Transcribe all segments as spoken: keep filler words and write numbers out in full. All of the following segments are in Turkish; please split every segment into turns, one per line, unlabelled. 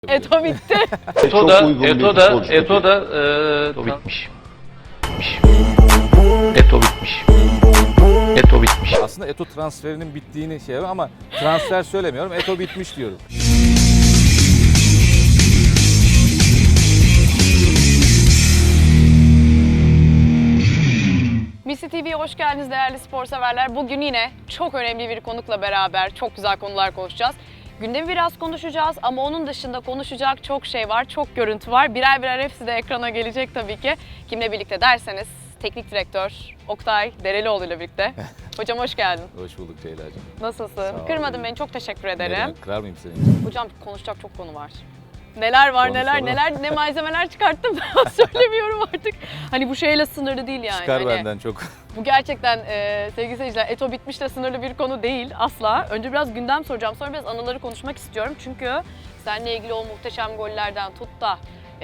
Eto bitti.
Eto da, Eto da, Eto da, Eto bitmiş. Eto bitmiş. Eto bitmiş.
Aslında Eto transferinin bittiğini şey var ama transfer söylemiyorum. Eto bitmiş diyorum.
Misli T V'ye hoş geldiniz değerli spor severler. Bugün yine çok önemli bir konukla beraber çok güzel konular konuşacağız. Gündemi biraz konuşacağız ama onun dışında konuşacak çok şey var, çok görüntü var. Birer birer hepsi de ekrana gelecek tabii ki. Kimle birlikte derseniz teknik direktör Oktay Derelioğlu ile birlikte. Hocam hoş geldin.
Hoş bulduk Ceyla'cığım.
Nasılsın?
Sağ ol.
Kırmadın beni, çok teşekkür ederim.
Neden? Kırar mıyım seni?
Hocam konuşacak çok konu var. Neler var
Konuşalım.
neler neler ne malzemeler çıkarttım daha söylemiyorum artık. Hani bu şeyle sınırlı değil yani.
Çıkar
Hani
benden çok.
bu gerçekten e, sevgili seyirciler Eto bitmiş de sınırlı bir konu değil asla. Önce biraz gündem soracağım, sonra biraz anıları konuşmak istiyorum. Çünkü seninle ilgili o muhteşem gollerden tut da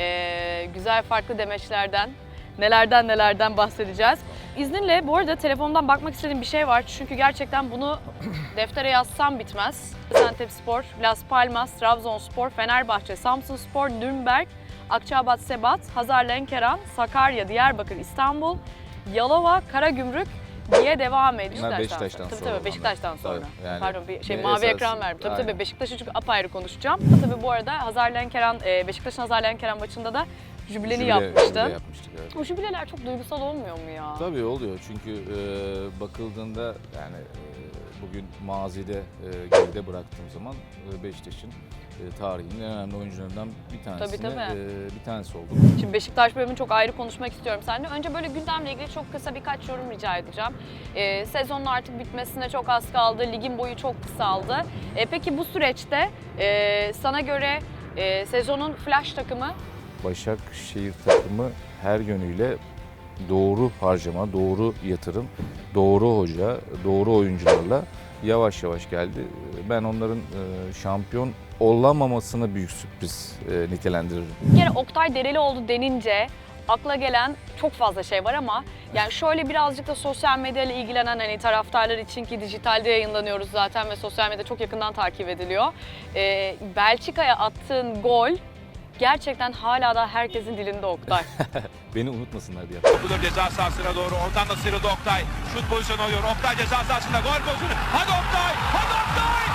e, güzel farklı demeçlerden nelerden nelerden bahsedeceğiz. İzninle bu arada telefondan bakmak istediğim bir şey var. Çünkü gerçekten bunu deftere yazsam bitmez. Gaziantepspor, Las Palmas, Trabzonspor, Fenerbahçe, Samsunspor, Nürnberg, Akçaabat, Sebat, Hazarlenkeran, Sakarya, Diyarbakır, İstanbul, Yalova, Karagümrük diye devam ediyor.
Bunlar
Beşiktaş'tan
Beşiktaş'tan
tabii,
sonra
Tabii Beşiktaş'tan
olanlar.
sonra.
Tabii, yani
Pardon bir şey
ne
mavi
esas-
ekran verdim. Tabii
Aynen.
tabii Beşiktaş'ı çünkü apayrı konuşacağım. Tabii bu arada Hazarlenkeran, e, Beşiktaş'ın Hazarlenkeran maçında da jübileni
Jübile-
yapmıştı.
jübile yapmıştık, evet.
O jübileler çok duygusal olmuyor mu ya?
Tabii oluyor çünkü e, bakıldığında yani e, bugün mazide e, geride bıraktığım zaman e, Beşiktaş'ın e, tarihinin en önemli oyuncularından bir tanesine
Tabii, tabii.
e, bir tanesi oldu.
Şimdi Beşiktaş bölümünü çok ayrı konuşmak istiyorum seninle. Önce böyle gündemle ilgili çok kısa birkaç yorum rica edeceğim. Ee, sezonun artık bitmesine çok az kaldı, ligin boyu çok kısaldı. Ee, peki bu süreçte e, sana göre e, sezonun flash takımı?
Başakşehir takımı her yönüyle doğru harcama, doğru yatırım, doğru hoca, doğru oyuncularla yavaş yavaş geldi. Ben onların e, şampiyon olamamasını büyük sürpriz e, nitelendiririm.
Bir kere Oktay Derelioğlu denince akla gelen çok fazla şey var ama yani şöyle birazcık da sosyal medyayla ilgilenen hani taraftarlar için ki dijitalde yayınlanıyoruz zaten ve sosyal medya çok yakından takip ediliyor. Ee, Belçika'ya attığın gol gerçekten hala da herkesin dilinde Oktay.
Beni unutmasınlar diye.
Topudur ceza sahasına doğru. Oradan da sıyrıldı Oktay. Şut pozisyonu alıyor. Oktay ceza sahasında gol pozisyonu. Hadi Oktay! Hadi Oktay!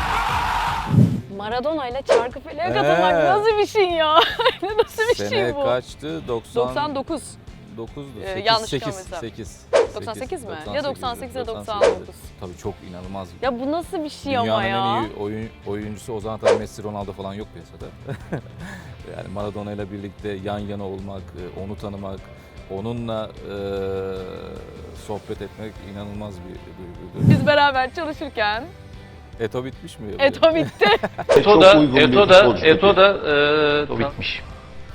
Maradona ile Çarkıfele'ye katılmak
Ee.
nasıl bir şey ya? Nasıl bir
Sene
şey bu?
kaçtı? doksan
doksan dokuz.
dokuzdu.
Ee,
sekiz,
yanlış
sekiz,
çıkarmıyorsam.
sekiz.
doksan sekiz mi?
doksan
Ya
sekizdi,
doksan sekiz ya doksan
sekizdi.
dokuz.
Tabii çok inanılmaz.
Ya bu nasıl bir şey ama
Dünyanın
ya?
en iyi oyun, oyuncusu o zaman tabii Messi, Ronaldo falan yok piyasada. Yani Maradona ile birlikte yan yana olmak, e, onu tanımak, onunla e, sohbet etmek inanılmaz bir duyguydu.
Biz beraber çalışırken
Eto bitmiş mi?
Eto bitti.
Eto da, Eto da, Eto da, Eto bitmiş.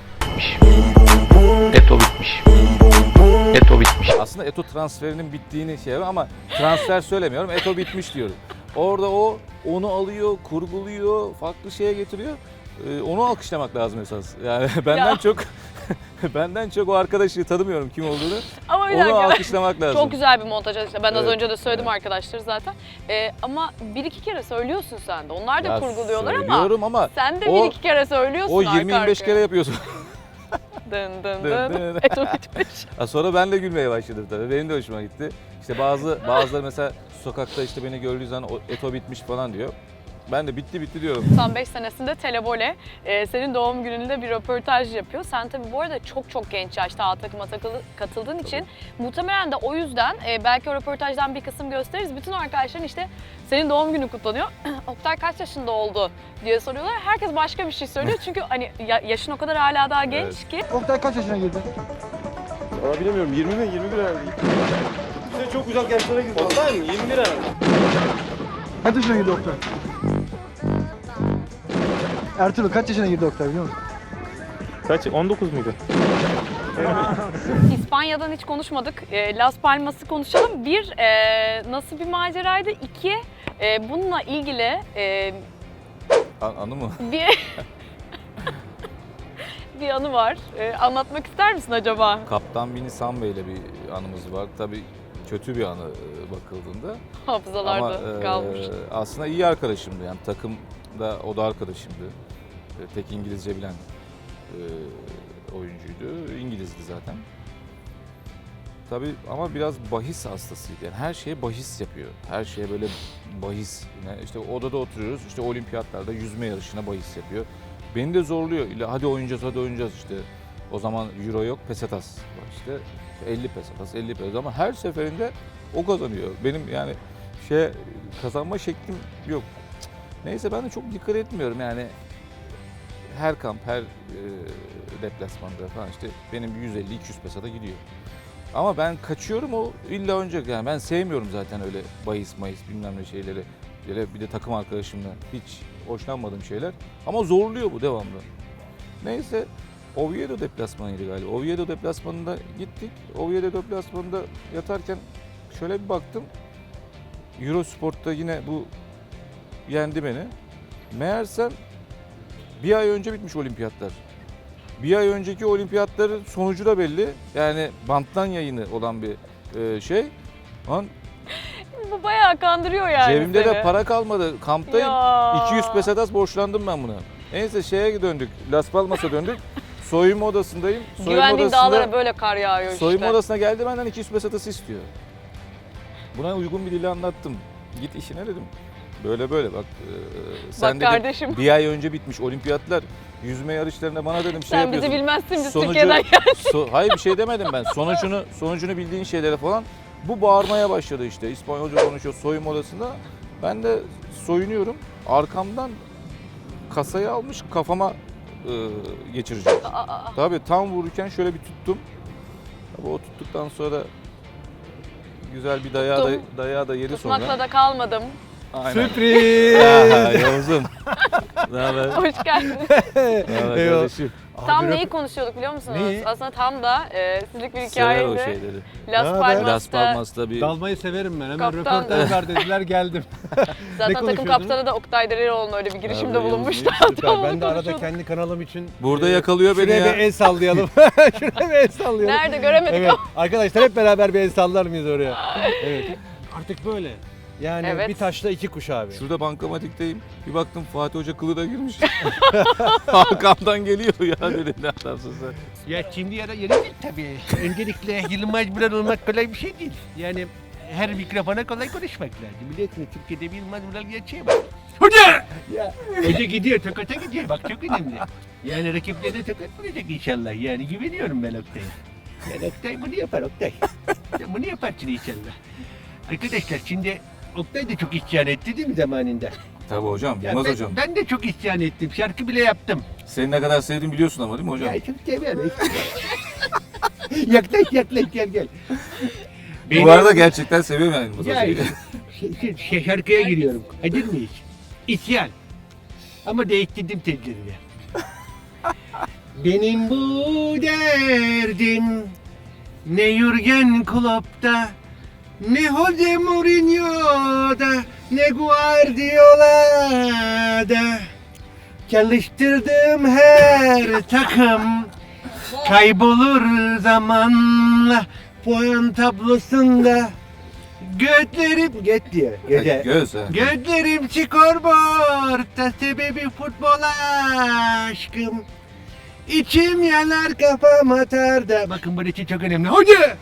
Eto bitmiş. Eto bitmiş.
Aslında Eto transferinin bittiğini şey var ama transfer söylemiyorum. Eto bitmiş diyorum. Orada o onu alıyor, kurguluyor, farklı şeye getiriyor. Ee, onu alkışlamak lazım esas. Yani benden
Ya.
çok benden çok o arkadaşı tanımıyorum kim olduğunu.
Ama bir
Onu
dakika.
alkışlamak lazım.
Çok güzel bir montaj. İşte ben az
Evet,
önce de söyledim
evet.
arkadaşlar zaten. Ee, ama bir iki kere söylüyorsun sen de. Onlar da
Ya
kurguluyorlar ama
söylüyorum ama
sen de
o-
bir iki kere söylüyorsun
o
arka
yirmi yirmi beş
arkaya.
kere yapıyorsun.
Dın dın
Dın
dın.
dın.
Eto bitmiş.
Ha, sonra ben de gülmeye başladım tabii. Benim de hoşuma gitti. İşte bazı bazıları mesela sokakta işte beni gördüğü zaman "O Eto bitmiş falan diyor. Ben de bitti bitti diyorum.
doksan beş senesinde Telebole e, senin doğum gününde bir röportaj yapıyor. Sen tabii bu arada çok çok genç yaşta A takıma takılı, katıldığın için muhtemelen de o yüzden e, belki o röportajdan bir kısım gösteririz. Bütün arkadaşların işte senin doğum günü kutlanıyor. Oktay kaç yaşında oldu diye soruyorlar. Herkes başka bir şey söylüyor çünkü hani ya- yaşın o kadar hala daha genç ki.
Oktay kaç yaşına girdi?
Valla bilemiyorum. yirmi mi? yirmi bir herhalde. Sen çok uzak yaşlara girdin. Oktay mı? yirmi bir herhalde.
Kaç yaşına girdi Oktay? Ertuğrul kaç yaşına girdi Oktay biliyor musun?
Kaç? on dokuz muydu?
İspanya'dan hiç konuşmadık. E, Las Palmas'ı konuşalım. Bir, e, nasıl bir maceraydı? İki, e, bununla ilgili e,
An- anı mı?
bir bir anı var. E, anlatmak ister misin acaba?
Kaptan Vini Sambe ile bir anımız var. Tabii kötü bir anı e, bakıldığında.
Hafızalarda
Ama e,
kalmış.
aslında iyi arkadaşımdı yani takımda o da arkadaşımdı. tek İngilizce bilen e, oyuncuydu. İngilizdi zaten. Tabii ama biraz bahis hastasıydı. Yani her şeye bahis yapıyor. Her şeye böyle bahis. Yani işte odada oturuyoruz. İşte olimpiyatlarda yüzme yarışına bahis yapıyor. Beni de zorluyor. İlla hadi oynayacağız, hadi oynayacağız işte. O zaman euro yok, pesetas var işte. elli pesetas, elli pesetas ama her seferinde o kazanıyor. Benim yani şey kazanma şeklim yok. Neyse ben de çok dikkat etmiyorum yani. Her kamp, her e, deplasmanda falan işte benim yüz elli iki yüz pesata gidiyor. Ama ben kaçıyorum o illa oynayacak yani ben sevmiyorum zaten öyle bahis mayıs bilmem ne şeyleri. Böyle bir de takım arkadaşımla hiç hoşlanmadığım şeyler. Ama zorluyor bu devamlı. Neyse Oviedo deplasmanıydı galiba. Oviedo deplasmanında gittik. Oviedo deplasmanında yatarken şöyle bir baktım. Eurosport'ta yine bu yendi beni. Meğersem bir ay önce bitmiş olimpiyatlar. Bir ay önceki olimpiyatların sonucu da belli. Yani banttan yayını olan bir e, şey. Lan
Bu bayağı kandırıyor yani
cebimde
seni.
de para kalmadı. Kamptayım.
Ya.
iki yüz pesetas borçlandım ben buna. Neyse şeye döndük. Las Palmas'a döndük. Soyunma odasındayım. Soyunma
Güvendiğin
odasında,
dağlara böyle kar yağıyor işte.
soyunma odasına geldi benden iki yüz pesetas istiyor. Buna uygun bir dille anlattım. Git işine dedim. Böyle böyle bak. E, sen
Bak
dedim,
kardeşim.
bir ay önce bitmiş olimpiyatlar. Yüzme yarışlarında bana dedim şey
Sen bizi
yapıyorsun.
bilmezsin biz
Sonucu-
Türkiye'den
So- hayır bir şey demedim ben. Sonucunu sonucunu bildiğin şeylere falan. Bu bağırmaya başladı işte. İspanyolca konuşuyor soyunma odasında. Ben de soyunuyorum. Arkamdan kasayı almış kafama e, geçirecek.
Aa,
Tabii tam vururken şöyle bir tuttum. Tabii o tuttuktan sonra güzel bir dayağı da,
Tuttum.
dayağı da yedi sonra.
tutmakla da kalmadım.
Aynen.
Sürpriz.
Ya, Yavuz'um. Ne haber?
Hoş geldin.
Ne haber
Eyvallah.
kardeşim?
Tam
Abi,
neyi konuşuyorduk biliyor musunuz?
Neyi?
Aslında tam da e, sizlik bir
Sever o
hikayeydi.
şeyleri.
Las
Ne haber?
Palmas'ta
Las Palmas'ta bir
Dalmayı severim ben. Hemen
Kaptan-
röportaj ver dediler geldim.
zaten
Ne
takım
konuşuyordunuz?
kaptanı da Oktay Dereroğlu'nun öyle bir girişimde
Abi,
bulunmuştu.
Süper.
Tam
Ben
onu
de arada
konuşuyorduk.
kendi kanalım için
burada
e,
yakalıyor beni
şuraya
ya.
bir el sallayalım. Şuraya bir el sallayalım.
Nerede göremedik
Evet.
ama.
Arkadaşlar hep beraber bir el sallar mıyız oraya? Evet. Artık böyle. Yani
Evet.
bir taşla iki kuş abi.
Şurada bankamatikteyim. Bir baktım Fatih Hoca kılığa girmiş. Arkamdan geliyor ya dedim ne adamsın sen.
Ya şimdi ya da yeni değil tabii. Öncelikle Yılmaz Vural olmak kolay bir şey değil. Yani her mikrofona kolay konuşmak lazım. Biliyorsunuz Türkiye'de bir Yılmaz Vural gerçeği var. Hoca! Ya, hoca gidiyor, tokata gidiyor. Bak çok önemli. Yani rakiplerine tokat vuracak inşallah. Yani güveniyorum ben Oktay'a. Yani Oktay bunu yapar Oktay. Sen bunu yaparsın inşallah. Arkadaşlar şimdi Oktay da çok isyan etti değil mi zamanında?
Tabii hocam,
Ya
Yılmaz
ben,
hocam.
ben de çok isyan ettim. Şarkı bile yaptım.
Seni ne kadar sevdiğimi biliyorsun ama değil mi hocam?
Ya çok seviyorum. yaklaş yaklaş gel gel.
Bu arada gerçekten seviyorum yani Yılmaz
Ya
hocayı.
şey, şey, şey, şarkıya giriyorum. Hazır mıyız? İsyan. Ama değiştirdim tezlerini. Benim bu derdim ne Jürgen Klopp'ta, ne Jose Mourinho'da, ne Guardiola'da. Çalıştırdığım her takım kaybolur zamanla puan tablosunda. Gözlerim göt diyor. Göze.
Göz ha.
Gözlerim skorboardta sebebi futbol aşkım. İçim yanar kafam atar da. Bakın burası çok önemli. Hoca!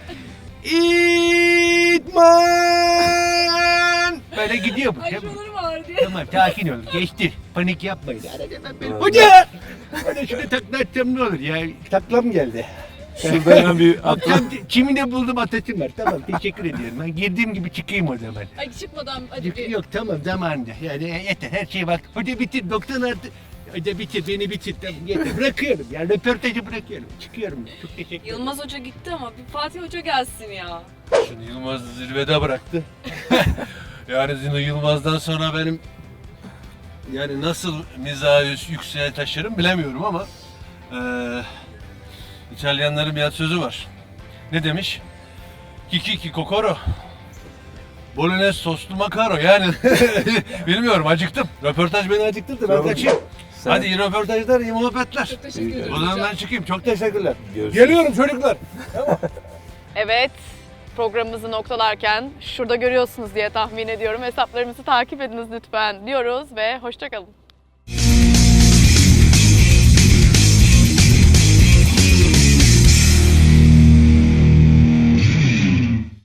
İtman! Böyle gidiyor bu. Tamam. Tamam sakin olun. Geçtir. Panik yapmayın. Arada ben böyle- Hoca! Bana şunu taklatsam ne olur ya? Taklam geldi.
Şurada hemen bir atla.
Akşam çimine buldum atasım var. Tamam teşekkür ediyorum. Ben girdiğim gibi çıkayım o zaman.
Ay çıkmadan
Yok tamam zamanında. Yani yeter her şey bak. Hoca bitir doktor artık. Hoca bitir beni bitir. Tamam yeter. Bırakıyorum. Yani röportajı bırakıyorum. Çıkıyorum. Çok teşekkür ederim.
Yılmaz Hoca gitti ama bir Fatih Hoca gelsin ya.
Şimdi Yılmaz zirvede bıraktı. Yani Zino Yılmaz'dan sonra benim yani nasıl mizahı yükseğe taşırım bilemiyorum ama eee İtalyanların bir atasözü var. Ne demiş? Kiki ki kokoro. Bolognese soslu makaro yani bilmiyorum acıktım. Röportaj beni acıktırdı ben kaçayım.
Sen-
Hadi iyi röportajlar iyi muhabbetler.
Çok teşekkür ederim.
O zaman ben çıkayım çok teşekkürler.
Görüşürüz.
Geliyorum çocuklar.
Evet, programımızı noktalarken şurada görüyorsunuz diye tahmin ediyorum. Hesaplarımızı takip ediniz lütfen diyoruz ve hoşça kalın.